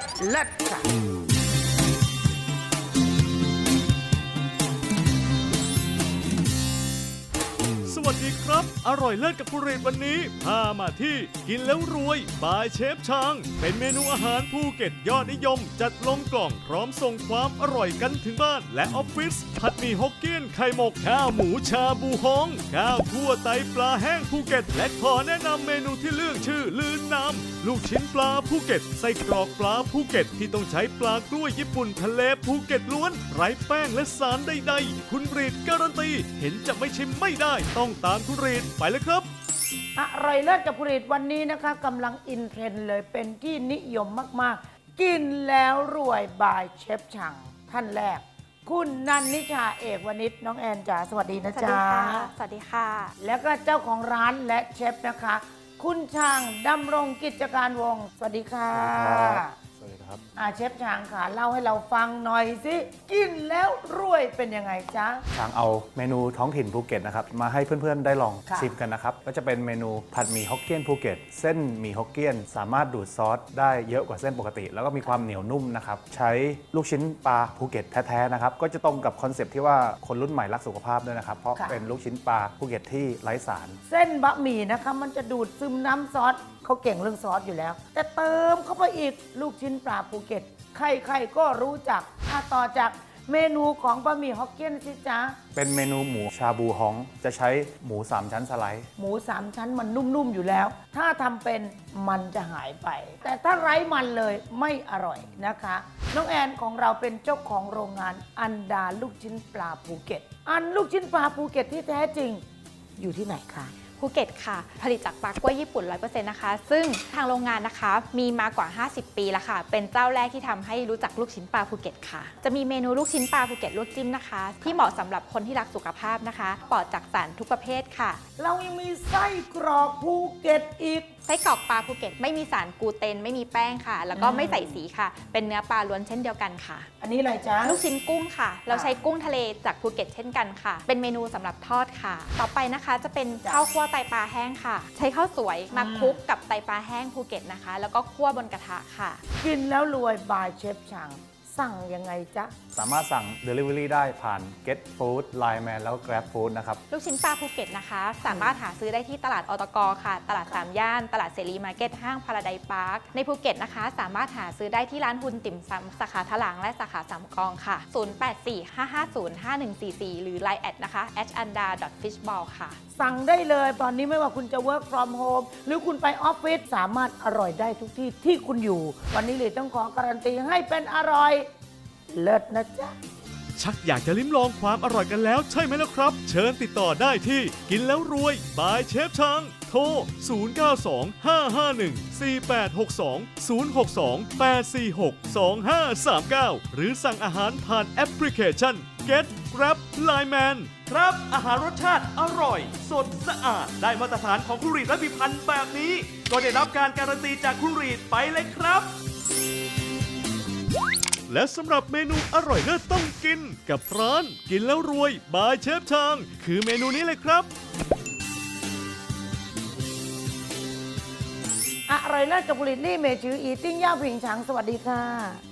เลิศค่ะสวัสดีครับอร่อยเลิศกับคุณเรศวันนี้พามาที่กินแล้วรวยบายเชฟช้างเป็นเมนูอาหารภูเก็ตยอดนิยมจัดลงกล่องพร้อมส่งความอร่อยกันถึงบ้านและออฟฟิศผัดหมี่ฮกเกี้ยนไข่หมกข้าวหมูชาบูฮองข้าวคั่วไตปลาแห้งภูเก็ตและขอแนะนำเมนูที่เรื่องชื่อลืนน้ำลูกชิ้นปลาภูเก็ตไส้กรอกปลาภูเก็ตที่ต้องใช้ปลากล้วยญี่ปุ่นทะเลภูเก็ตล้วนไร้แป้งและสารใดๆคุณรีดการันตีเห็นจะไม่ชิมไม่ได้ต้องตามคุณรีดไปเลยครับอร่อยเลิศกับผลิตวันนี้นะคะกำลังอินเทรนด์เลยเป็นที่นิยมมากๆกินแล้วรวยบายเชฟช่างท่านแรกคุณนันนิชาเอกวณิชน้องแอนจ๋าสวัสดีนะจ๊ะสวัสดีค่ะแล้วก็เจ้าของร้านและเชฟนะคะคุณช่างดำรงกิจการวงศ์สวัสดีค่ะสวัสดีครับเชฟช่างค่ะเล่าให้เราฟังหน่อยสิกินแล้วรวยเป็นยังไงจ๊ะช้างเอาเมนูท้องถิ่นภูเก็ตนะครับมาให้เพื่อนๆได้ลองชิมกันนะครับก็จะเป็นเมนูผัดหมี่ฮกเกี้ยนภูเก็ตเส้นหมี่ฮกเกี้ยนสามารถดูดซอสได้เยอะกว่าเส้นปกติ แล้วก็มีความเหนียวนุ่มนะครับใช้ลูกชิ้นปลาภูเก็ตแท้ๆนะครับก็จะตรงกับคอนเซปต์ที่ว่าคนรุ่นใหม่รักสุขภาพด้วยนะครับเพราะเป็นลูกชิ้นปลาภูเก็ตที่ไร้สารเส้นบะหมี่นะคะมันจะดูดซึมน้ำซอสเขาเก่งเรื่องซอสอยู่แล้วแต่เติมเข้าไปอีกลูกชิ้นปลาภูเก็ตใครๆก็รู้จักต่อจากเมนูของบะหมี่ฮกเกี้ยนสิจ๊ะเป็นเมนูหมูชาบูฮองจะใช้หมู3ชั้นสไลด์หมู3ชั้นมันนุ่มๆอยู่แล้วถ้าทำเป็นมันจะหายไปแต่ถ้าไร้มันเลยไม่อร่อยนะคะน้องแอนของเราเป็นเจ้าของโรงงานอันดาลูกชิ้นปลาภูเก็ตลูกชิ้นปลาภูเก็ตที่แท้จริงอยู่ที่ไหนคะภูเก็ตค่ะผลิตจากปลากล้วยญี่ปุ่น 100% นะคะซึ่งทางโรงงานนะคะมีมากว่า 50 ปีแล้วค่ะเป็นเจ้าแรกที่ทำให้รู้จักลูกชิ้นปลาภูเก็ตค่ะจะมีเมนูลูกชิ้นปลาภูเก็ตลวกจิ้มนะคะที่เหมาะสำหรับคนที่รักสุขภาพนะคะปลอดจากสารทุกประเภทค่ะเรายังมีไส้กรอกภูเก็ตอีกไส้กรอกปลาภูเก็ตไม่มีสารกลูเตนไม่มีแป้งค่ะแล้วก็ไม่ใส่สีค่ะเป็นเนื้อปลาล้วนเช่นเดียวกันค่ะอันนี้อะไรจ๊ะลูกชิ้นกุ้งค่ะเราใช้กุ้งทะเลจากภูเก็ตเช่นกันค่ะเป็นเมนูสำหรับทอดค่ะต่อไปนะคะจะเป็นข้าวคั่วไตปลาแห้งค่ะใช้ข้าวสวยมาคลุกกับไตปลาแห้งภูเก็ตนะคะแล้วก็คั่วบนกระทะค่ะกินแล้วรวยบายเชฟช่างสั่งยังไงจ๊ะสามารถสั่ง Delivery ได้ผ่าน Get Food Line Man แล้ว Grab Food นะครับลูกชิ้นปลาภูเก็ตนะคะสามารถหาซื้อได้ที่ตลาดอตก.ค่ะตลาด3ย่านตลาดเสรีมาร์เก็ตห้างพาราไดซ์พาร์คในภูเก็ตนะคะสามารถหาซื้อได้ที่ร้านฮุนติ่มซำสาขาถลางและสาขาสามกองค่ะ0845505144หรือ Line แอดนะคะ @anda.fishball ค่ะสั่งได้เลยตอนนี้ไม่ว่าคุณจะ work from home หรือคุณไปออฟฟิศสามารถอร่อยได้ทุกที่ที่คุณอยู่วันนี้เลยต้องขอการันตีให้เป็นอร่อยเลิศนะจ๊ะชักอยากจะลิ้มลองความอร่อยกันแล้วใช่ไหมล่ะครับเชิญติดต่อได้ที่กินแล้วรวยบายเชฟช้างโทร 0925514862 062-846-2539 หรือสั่งอาหารผ่านแอปพลิเคชัน Get Grab Line Man ครับอาหารรสชาติอร่อยสดสะอาดได้มาตรฐานของคุณรีดและพิพันธ์แบบนี้ก็ได้รับการการันตีจากคุณรีดไปเลยครับและสำหรับเมนูอร่อยเลิศต้องกินกับร้านกินแล้วรวยบายเชฟช้างคือเมนูนี้เลยครับอร่อยเลิศกับผลิตลี่เมจืออีติ้งย่าผิงฉังสวัสดีค่ะ